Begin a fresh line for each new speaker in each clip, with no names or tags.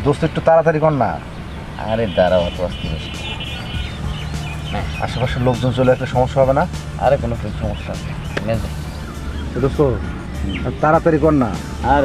দোস্ত একটু তাড়াতাড়ি কর না।
আরে দাঁড়াও, অত আস্তে
আশেপাশের লোকজন চলে একটা সমস্যা হবে না?
আরে কোনো সমস্যা নেই।
দোস্ত তাড়াতাড়ি কর না।
আর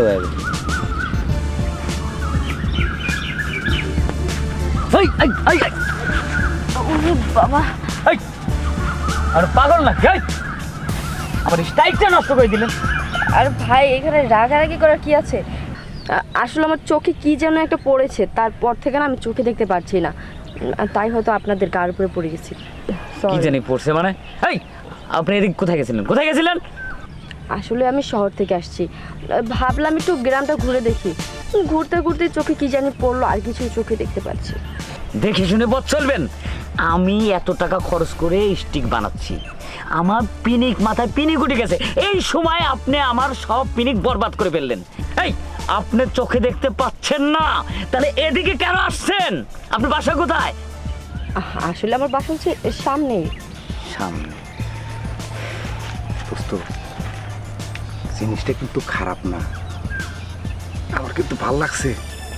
বাবা,
আর পাগল না আমার স্টাইলটা নষ্ট করে দিলেন।
আরে ভাই, এখানে রাগারাগি করার কি আছে? আসলে আমার চোখে কি যেন একটা পড়েছে, তারপর থেকে না আমি চোখে দেখতে পারছি না, তাই হয়তো আপনাদের গার উপরে পড়ে গেছি।
কি জানি পড়ছে মানে? আপনি এদিক কোথায় গেছিলেন?
আসলে আমি শহর থেকে আসছি, ভাবলাম একটু গ্রামটা ঘুরে দেখি। ঘুরতে ঘুরতে চোখে কি জানি পড়লো, আর কিছু চোখে দেখতে পাচ্ছি।
দেখে শুনে পথ চলবেন। আমি এত টাকা খরচ করে স্টিক বানাচ্ছি, আমার পিনিক মাথায় পিনিক উঠে গেছে, এই সময় আপনি আমার সব পিনিক বরবাদ করে ফেললেন। আপনি চোখে দেখতে পাচ্ছেন না, তাহলে এদিকে কেন আসছেন? আপনি বাসা কোথায়?
আসলে আমার বাসা হচ্ছে সামনেই।
সামনে?
দোস্ত জিনিসটা কিন্তু খারাপ না, আমার কিন্তু ভাল লাগছে।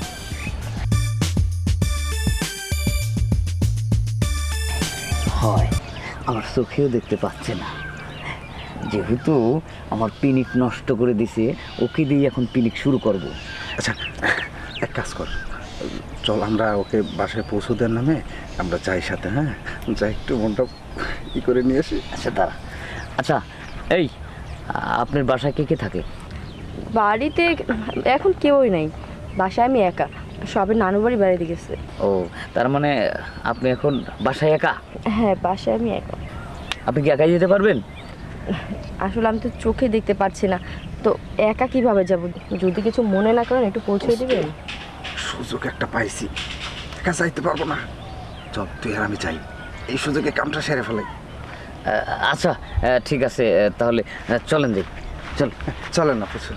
হয়, আমার চোখেও দেখতে পাচ্ছে না, যেহেতু আমার পিনিক নষ্ট করে দিছে, ওকে দিয়ে এখন পিনিক শুরু করব।
আচ্ছা এক কাজ কর, চল আমরা ওকে বাসায় পৌঁছে দেওয়ার নামে আমরা যাই সাথে। হ্যাঁ যাই, একটু মনটা ই করে নিয়ে আসি।
আচ্ছা দাঁড়া। আচ্ছা এই, আপনার বাসায় কে কে থাকে?
বাড়িতে এখন কেউই নাই, বাসায় আমি একা, সবে নানু বাড়ি বেড়াতে গেছে।
ও, তার মানে আপনি এখন বাসায় একা?
হ্যাঁ, বাসায় আমি একা।
আপনি কি একাই যেতে পারবেন?
আসলে আমি তো চোখে দেখতে পাচ্ছি না, তো একা কিভাবে যাব? যদি কিছু মনে না করেন একটু পৌঁছে দিবেন।
সুযোগ একটা পাইছি, একা যাইতে পারবো না, চল তুই আর আমি যাই, এই সুযোগে কামটা সেরে ফেলাই।
আচ্ছা ঠিক আছে, তাহলে চলেন যাই।
চলেন না প্রচুর।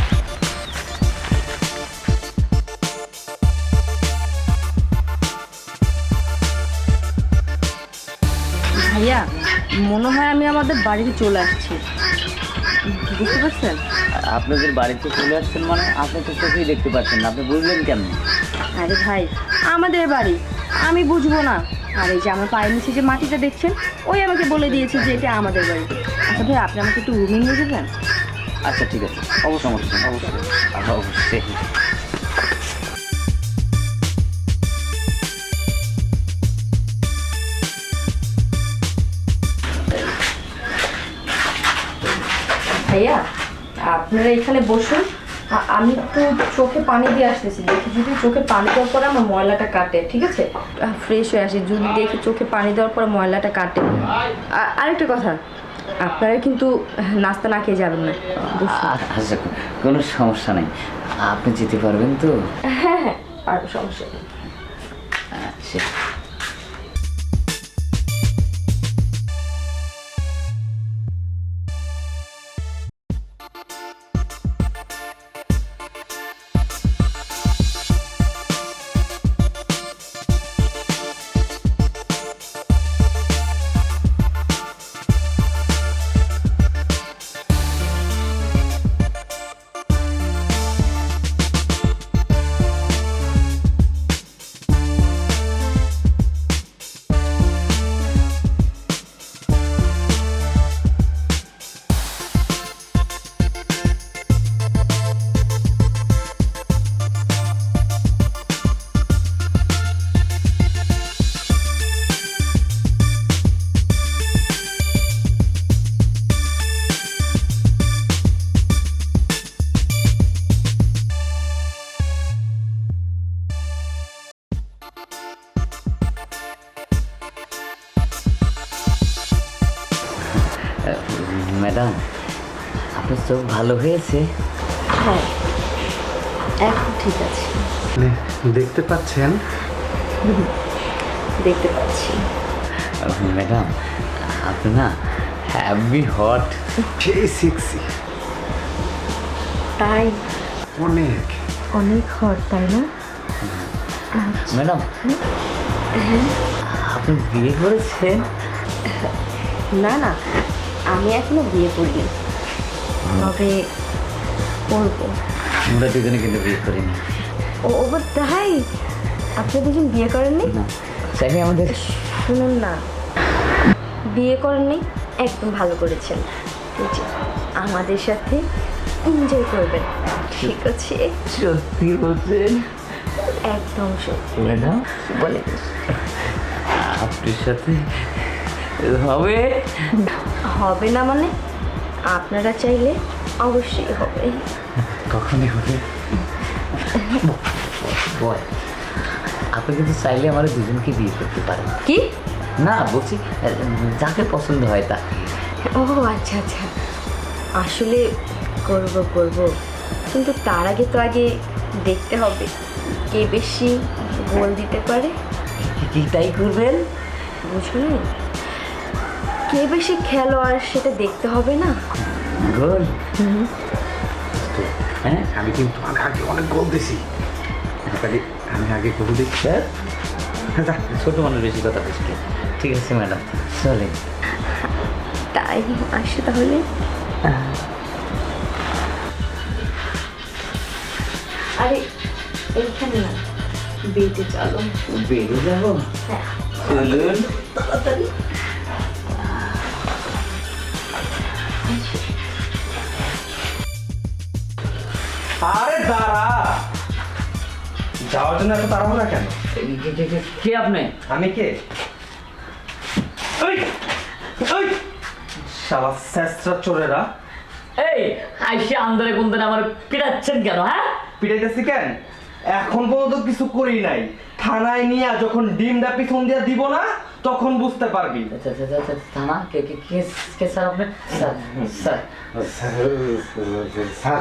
ভাইয়া, মনে হয় আমি আমাদের বাড়িতে চলে আসছি, বুঝতে পারছেন?
আপনাদের বাড়িতে চলে আসছেন মানে? আপনি তো চোখেই দেখতে পাচ্ছেন না, আপনি বুঝলেন কেমন?
আরে ভাই, আমাদের বাড়ি, আমি বুঝবো না? আর এই যে আমার পায়ের নিচে যে মাটিটা দেখছেন, ওই আমাকে বলে দিয়েছে যে এটা আমাদের বাড়ি। আচ্ছা ভাই, আপনি আমাকে একটু রুমে নিয়ে যাবেন?
আচ্ছা ঠিক আছে, অবশ্যই।
ভাইয়া, আপনারা এখানে বসুন, আমি একটু চোখে পানি দিয়ে আসতেছি, দেখি যদি চোখে পানি দেওয়ার পরে আমার ময়লাটা কাটে। ঠিক আছে, ফ্রেশ হয়ে আসি, যদি দেখি চোখে পানি দেওয়ার পরে ময়লাটা কাটে। আরেকটা কথা, আপনারা কিন্তু নাস্তা না খেয়ে যাবেন না।
আচ্ছা, কোনো সমস্যা নেই, আপনি যেতে পারবেন তো?
হ্যাঁ হ্যাঁ, আর সমস্যা নেই।
আচ্ছা। ম্যাডাম, আপনার চোখ ভালো হয়েছে?
হ্যাঁ, এখন ঠিক আছে,
দেখতে পাচ্ছেন?
দেখতে পাচ্ছি।
ম্যাডাম, আপনি না হ্যাভি হট,
সেই সেক্সি,
তাই?
অনেক
অনেক হট, তাই না?
ম্যাডাম আপনি বিয়ে করেছেন?
না না, আমি এখনো বিয়ে করিনি, তবে করবো।
আমরা দুজনে কিন্তু বিয়ে করিনি।
ও তাই? আপনি দুজন বিয়ে করেননি?
না চাইলে আমাদের
শুনুন না, বিয়ে করেননি, একদম ভালো করেছেন। এই যে আমাদের সাথে এনজয় করবেন, ঠিক আছে?
সত্যি বলছেন?
একদম সত্যি।
ম্যাডাম
বলে
আপনার সাথে হবে?
হবে না মানে? আপনারা চাইলে অবশ্যই হবে।
কখনই হবে? বল, আপনি কিন্তু চাইলে আমার দুজনকে বিয়ে করতে পারেন।
কি?
না বলছি যাকে পছন্দ হয় তা।
ও আচ্ছা আচ্ছা, আসলে করব করব, কিন্তু তার আগে তো আগে দেখতে হবে কে বেশি গোল দিতে পারে।
কি তাই করবেন?
বুঝলেন, কে বেশি খেলোয়াড় সেটা দেখতে হবে না?
গোল? হ্যাঁ
আমি কিন্তু আগে অনেক গোল দিছি, তাহলে আমি আগে গোল দিচ্ছি।
স্যার ছোট মানুষ বেশি কথা বলছি। ঠিক আছে ম্যাডাম, চলেন।
তাই আসে তাহলে। আরে এইখানে না, বেটে চলো।
বেরিয়ে যাবো?
হ্যাঁ
চলুন।
তাড়াতাড়ি।
আরে দাঁড়া, যাওয়ার জন্য এত তাড়াহুড়া কেন?
কে আপনি?
আমি কে? ওই ওই শালা শেষরা চোরেরা!
এই আইসে আন্দারে কুন্দারে আমার পিটাচ্ছেন কেন? হ্যাঁ
পিটাইতেছি কেন? এখন পর্যন্ত কিছু করি নাই, থানায় নিয়ে যখন ডিমটা পিছন দিয়ে দিব না তখন বুঝতে পারবি।
থানা? কে কে কে কে স্যার আপনি? স্যার স্যার
স্যার,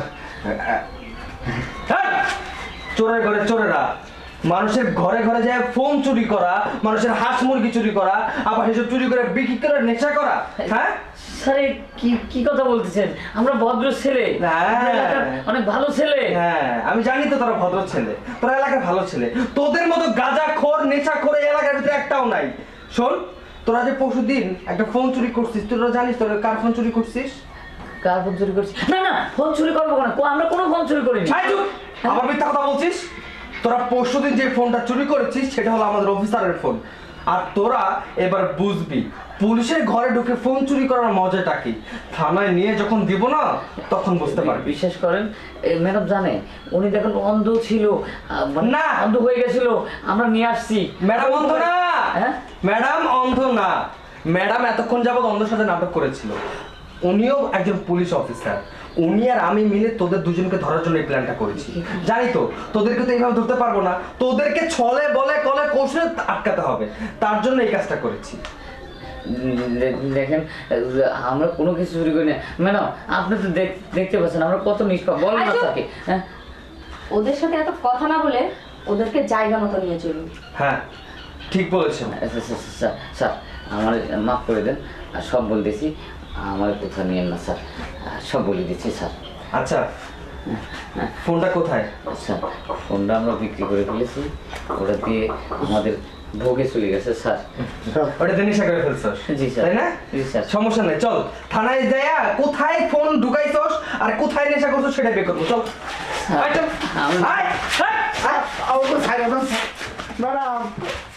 চোরের ঘরে চোরেরা মানুষের ঘরে ঘরে যায় ফোন চুরি করা, মানুষের হাঁস মুরগি চুরি করা, আবার সেসব চুরি করে বিক্রি করে নেশা করা। হ্যাঁ
স্যার কি কি কথা বলতেছেন? আমরা ভদ্র ছেলে,
হ্যাঁ।
আমরা এলাকার অনেক ভালো ছেলে।
হ্যাঁ আমি জানি তো তোরা ভদ্র ছেলে, তোরা এলাকার ভালো ছেলে। তোদের মতো গাঁজাখোর নেশাখোর এই এলাকার ভিতরে একটাও নাই। শোন, তোরা যে পরশুদিন একটা ফোন চুরি করছিস, তোরা জানিস তোরা কার ফোন চুরি করছিস?
কার ফোন চুরি করছি? না না, ফোন চুরি করবো কেন? আমরা কোনো ফোন চুরি করিনি।
ছাই চুপ! আবার মিথ্যা কথা বলছিস। তোরা পরশুদিন যে ফোনটা চুরি করেছিস সেটা হলো আমাদের অফিসারের ফোন। আর তোরা এবার বুঝবি পুলিশের ঘরে ঢুকে ফোন চুরি করার মজাটা কি। থানায় নিয়ে যখন দিব না তখন বুঝতে পারবি।
বিশ্বাস করেন ম্যাডাম জানে, উনি দেখুন অন্ধ ছিল,
না।
অন্ধ হয়ে গেছিল, আমরা নিয়ে আসছি।
ম্যাডাম অন্ধ না,
হ্যাঁ?
ম্যাডাম অন্ধ না। ম্যাডাম এতক্ষণ যাবত অন্ধের সাথে নাটক করেছিল। উনিও একজন পুলিশ অফিসার। উনি আর আমি মিলে তোদের দুজনকে ধরার জন্য এই প্ল্যানটা করেছি। জানি তো তোদেরকে তো এইভাবে ধরতে পারবো না, তোদেরকে ছলে বলে কলে কৌশলে আটকাতে হবে, তার জন্য এই কাজটা করেছি।
দেখেন আমরা কোনো কিছু চুরি করি না ম্যাডাম, আপনি তো দেখতে পাচ্ছেন আমরা কত নিষ্পাপ। বলেন না তাকে। হ্যাঁ
ওদের সাথে এত কথা না বলে ওদেরকে জায়গা মতো নিয়ে চলুন।
হ্যাঁ ঠিক বলেছেন।
স্যার স্যার আমার মাফ করে দেন, আর সব বলতেছি, আমার কথা নিয়েন না স্যার, সব বলে দিচ্ছি স্যার।
আচ্ছা ফোনটা কোথায়?
স্যার ফোনটা আমরা বিক্রি করে ফেলেছি, ওটা দিয়ে আমাদের ভোগে চলে গেছে স্যার।
ওটা তো নেশা করে ফেলছস?
জি স্যার।
তাই না?
জি স্যার।
সমস্যা নেই, চল থানায় যাইয়া কোথায় ফোন ঢুকাইছস আর কোথায় নেশা করছস সেটা বের করবো। চল আয়, চল।
আমি-
আয়, আয়, আয়।